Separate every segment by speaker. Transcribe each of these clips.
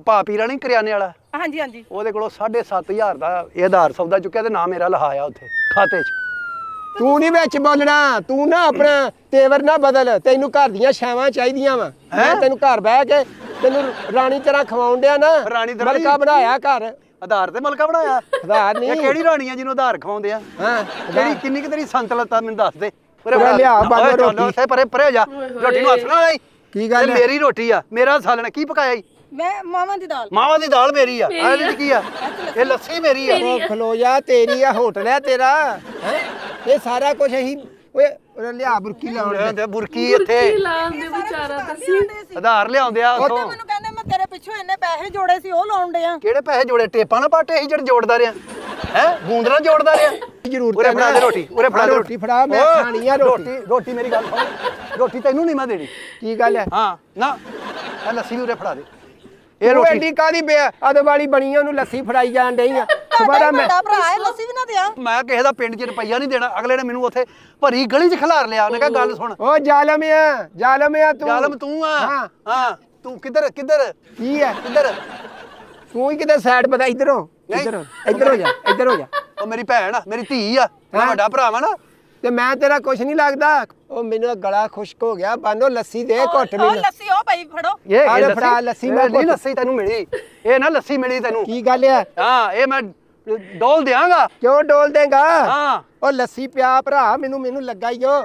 Speaker 1: ਭਾ ਪੀਰਾ ਨਹੀਂ ਕਰਿਆਨੇ ਵਾਲਾ
Speaker 2: ਹਾਂਜੀ ਹਾਂਜੀ
Speaker 1: ਉਹਦੇ ਕੋਲੋਂ 7,500 ਦਾ ਇਹ ਆਧਾਰ ਸੌਦਾ ਚੁੱਕਿਆ ਤੇ ਨਾ ਮੇਰਾ ਲਹਾਇਆ ਉੱਥੇ ਖਾਤੇ 'ਚ।
Speaker 3: ਤੂੰ ਨਹੀਂ ਵਿੱਚ ਬੋਲਣਾ, ਤੂੰ ਨਾ ਆਪਣਾ ਤੇਵਰ ਨਾ ਬਦਲ। ਤੈਨੂੰ ਘਰ ਦੀਆਂ ਛਾਵਾਂ ਚਾਹੀਦੀਆਂ ਵਾ। ਮੈਂ ਤੈਨੂੰ ਘਰ ਬਹਿ ਕੇ ਤੈਨੂੰ ਰਾਣੀ ਤਰ੍ਹਾਂ ਖਵਾਉਣ ਡਿਆ ਨਾ।
Speaker 1: ਰਾਣੀ ਤਰ੍ਹਾਂ
Speaker 3: ਮਲਕਾ ਬਣਾਇਆ ਘਰ।
Speaker 1: ਆਧਾਰ ਤੇ ਮਲਕਾ ਬਣਾਇਆ।
Speaker 3: ਆਧਾਰ ਨਹੀਂ।
Speaker 1: ਇਹ ਕਿਹੜੀ ਰਾਣੀ ਆ ਜਿਹਨੂੰ ਆਧਾਰ ਖਵਾਉਂਦੇ ਆ?
Speaker 3: ਹਾਂ
Speaker 1: ਕਿਹੜੀ ਕਿੰਨੀ ਕਿ ਤੇਰੀ ਸੰਤਲਤਾ ਮੈਨੂੰ ਦੱਸ ਦੇ।
Speaker 3: ਉਰੇ ਲਿਆ ਬਾਬਾ ਰੋਟੀ।
Speaker 1: ਉੱਥੇ ਪਰੇ ਹੋ ਜਾ। ਰੋਟੀ ਨੂੰ ਹੱਥ ਨਾ ਲਾਈ।
Speaker 3: ਕੀ ਗੱਲ ਹੈ?
Speaker 1: ਮੇਰੀ ਰੋਟੀ ਆ, ਮੇਰਾ ਸਾਲਣਾ। ਕੀ ਪਕਾਇਆ ਈ?
Speaker 2: ਮੈਂ ਮਾਵਾਂ ਦੀ ਦਾਲ।
Speaker 1: ਮਾਵਾਂ ਦੀ ਦਾਲ ਮੇਰੀ ਆ। ਇਹਦੇ ਵਿੱਚ ਕੀ ਆ? ਇਹ ਲੱਸੀ ਮੇਰੀ ਆ।
Speaker 3: ਉਹ ਖਲੋ ਜਾ, ਤੇਰੀ ਆ, ਹੋਟਲ ਹੈ ਤੇਰਾ। ਹੈਂ? ਇਹ ਸਾਰਾ ਕੁਝ ਅਸੀਂ ਓਏ ਉਰੇ ਲਿਆ ਬੁਰਕੀ ਲਾਉਣ ਦੇ।
Speaker 1: ਬੁਰਕੀ ਇੱਥੇ
Speaker 4: ਲਾਉਂਦੇ ਵਿਚਾਰਾ ਤੁਸੀਂ
Speaker 1: ਆਧਾਰ ਲਿਆਉਂਦੇ ਆ ਉੱਥੋਂ।
Speaker 2: ਮੈਨੂੰ ਕਹਿੰਦੇ ਮੈਂ ਤੇਰੇ ਪਿੱਛੋਂ ਇੰਨੇ ਪੈਸੇ ਜੋੜੇ ਸੀ ਉਹ ਲਾਉਣ ਡਿਆ।
Speaker 1: ਕਿਹੜੇ ਪੈਸੇ ਜੋੜੇ? ਟੇਪਾਂ ਨਾ ਪਾਟੇ ਅਸੀਂ ਜਿਹੜੇ ਜੋੜਦਾ ਰਿਹਾ ਹੈ। ਗੂੰਦ ਨਾਲ ਜੋੜਦਾ ਰਿਹਾ।
Speaker 3: ਜ਼ਰੂਰ
Speaker 1: ਉਰੇ ਫੜਾ ਦੇ ਰੋਟੀ। ਉਰੇ ਫੜਾ ਦੇ
Speaker 3: ਰੋਟੀ ਫੜਾ, ਮੈਂ ਖਾਣੀ ਆ ਰੋਟੀ।
Speaker 1: ਰੋਟੀ ਮੇਰੀ ਗੱਲ ਸੁਣ। ਰੋਟੀ ਤੈਨੂੰ ਨਹੀਂ ਮੈਂ ਦੇਣੀ।
Speaker 3: ਕੀ ਗੱਲ ਹੈ?
Speaker 1: ਹਾਂ ਨਾ ਇਹ ਲੱਸੀ ਵੀ ਉਰੇ ਫੜਾ ਦੇ।
Speaker 3: ਇਹ
Speaker 1: ਇਹ ਰੋਟੀ
Speaker 3: ਐਡੀ ਕਾਦੀ ਬਿਆ ਅਦਵਾਲੀ ਬਣੀ ਆ, ਉਹਨੂੰ ਲੱਸੀ ਫੜਾਈ ਜਾਣ ਡਈ ਆ। ਦੁਬਾਰਾ ਮੈਂ
Speaker 2: ਵੱਡਾ ਭਰਾ ਹੈ ਲੱਸੀ ਵੀ ਨਾ ਦਿਆ।
Speaker 1: ਮੈਂ ਕਿਸੇ ਦਾ ਪਿੰਡ 'ਚ ਰੁਪਈਆ ਨਹੀਂ ਦੇਣਾ। ਅਗਲੇ ਨੇ ਮੈਨੂੰ ਉੱਥੇ ਭਰੀ ਗਲੀ 'ਚ ਖਿਲਾਰ ਲਿਆ। ਉਹਨੇ ਕਿਹਾ ਗੱਲ ਸੁਣ।
Speaker 3: ਓ ਜ਼ਾਲਮ ਆ, ਜ਼ਾਲਮ ਆ ਤੂੰ।
Speaker 1: ਜ਼ਾਲਮ ਤੂੰ ਆ।
Speaker 3: ਹਾਂ।
Speaker 1: ਹਾਂ ਤੂੰ ਕਿੱਧਰ
Speaker 3: ਕੀ ਹੈ?
Speaker 1: ਕਿੱਧਰ?
Speaker 3: ਤੂੰ ਹੀ ਕਿਤੇ ਸਾਈਡ ਬਤਾ। ਇੱਧਰੋਂ ਇੱਧਰ ਹੋ ਜਾ, ਇੱਧਰ ਹੋ ਜਾ।
Speaker 1: ਉਹ ਮੇਰੀ ਭੈਣ ਆ, ਮੇਰੀ ਧੀ ਆ, ਮੈਂ ਵੱਡਾ ਭਰਾ ਵਾ ਨਾ।
Speaker 3: ਤੇ ਮੈਂ ਤੇਰਾ ਕੁਛ ਨਹੀਂ ਲੱਗਦਾ। ਉਹ ਮੈਨੂੰ ਗਲਾ ਖੁਸ਼ਕ ਹੋ ਗਿਆ। ਬਾਨੋ ਲੱਸੀ ਦੇ ਘੁੱਟ
Speaker 2: ਉਹ
Speaker 3: ਮੈਨੂੰ।
Speaker 2: ਲੱਸੀ ਉਹ ਪਈ ਫੜੋ।
Speaker 1: ਇਹ
Speaker 3: ਫੜਾ ਲੱਸੀ ਮੈਂ
Speaker 1: ਨਹੀਂ ਲੱਸੀ ਤੈਨੂੰ ਮਿਲੀ। ਇਹ ਨਾ ਲੱਸੀ ਮਿਲੀ ਤੈਨੂੰ।
Speaker 3: ਕੀ ਗੱਲ ਆ?
Speaker 1: ਹਾਂ ਇਹ ਮੈਂ ਡੋਲ ਦਿਆਂਗਾ।
Speaker 3: ਕਿਉਂ ਡੋਲ ਦੇਗਾ?
Speaker 1: ਹਾਂ
Speaker 3: ਉਹ ਲੱਸੀ ਪਿਆ ਭਰਾ, ਮੈਨੂੰ ਲੱਗਾ ਈ ਓ।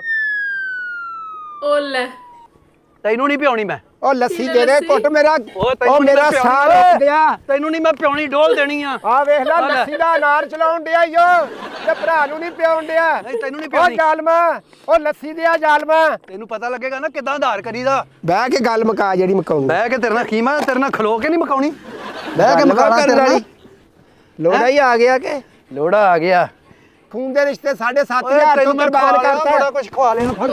Speaker 4: ਉਹ ਲੈ
Speaker 1: ਤੈਨੂੰ ਨਹੀਂ ਪਿਉਣੀ ਮੈਂ।
Speaker 3: ਉਹ ਲੱਸੀ ਦੇ ਦੇ ਘੁੱਟ। ਮੇਰਾ
Speaker 1: ਤੈਨੂੰ
Speaker 3: ਉਹ
Speaker 1: ਨੀ
Speaker 3: ਮੇਰਾ
Speaker 1: ਮੈਂ ਪਿਆਉਣੀ
Speaker 3: ਸਾਹ
Speaker 1: ਓਏ।
Speaker 3: ਰੁਕ ਗਿਆ।
Speaker 1: ਤੈਨੂੰ ਨਹੀਂ ਮੈਂ ਪਿਉਣੀ, ਡੋਲ ਦੇਣੀ ਆ।
Speaker 3: ਆ ਵੇਖ ਲੈ,
Speaker 1: ਆ ਲੈ।
Speaker 3: ਲੱਸੀ ਦਾ ਅਨਾਰ ਚਲਾਉਣ ਡਿਆ ਈ ਓ। ਤੇ ਭਰਾ ਨੂੰ ਨਹੀਂ ਪਿਆਉਣ ਡਿਆ।
Speaker 1: ਨਹੀਂ ਤੈਨੂੰ ਨਹੀਂ
Speaker 3: ਉਹ
Speaker 1: ਪਿਉਣੀ।
Speaker 3: ਜ਼ਾਲਮਾ, ਉਹ ਲੱਸੀ ਦੇ ਆ ਜ਼ਾਲਮਾ।
Speaker 1: ਤੈਨੂੰ ਪਤਾ ਲੱਗੇਗਾ ਨਾ ਕਿਦਾਂ ਆਧਾਰ ਕਰੀਦਾ।
Speaker 3: ਬਹਿ ਕੇ ਗੱਲ ਮੁਕਾ ਜਿਹੜੀ ਮੁਕਾਉਣੀ।
Speaker 1: ਬਹਿ ਕੇ ਤੇਰੇ ਨਾਲ ਖੀਮਾ, ਤੇਰੇ ਨਾਲ ਖਲੋ ਕੇ ਨਹੀਂ ਮਕਾਉਣੀ। ਬਹਿ
Speaker 3: ਗੱਲ
Speaker 1: ਕੇ ਮਕਾਉਣਾ
Speaker 3: ਕਰਨ
Speaker 1: ਤੇਰੇ ਨਾਲ।
Speaker 3: ਵਾਲੀ। ਲੋੜਾ ਹੀ ਆ ਗਿਆ ਕਿ
Speaker 1: ਲੋੜਾ ਆ ਗਿਆ।
Speaker 3: ਖੂਨ ਦੇ ਰਿਸ਼ਤੇ 7,500
Speaker 1: ਓਏ
Speaker 3: ਤੋਂ
Speaker 1: ਤੈਨੂੰ ਮੈਂ
Speaker 3: ਕੁਰਬਾਨ
Speaker 1: ਖਵਾ ਲਿਆ,
Speaker 3: ਕਰਤਾ।
Speaker 1: ਬੜਾ ਕੁਝ ਖਵਾ ਲੈਣਾ।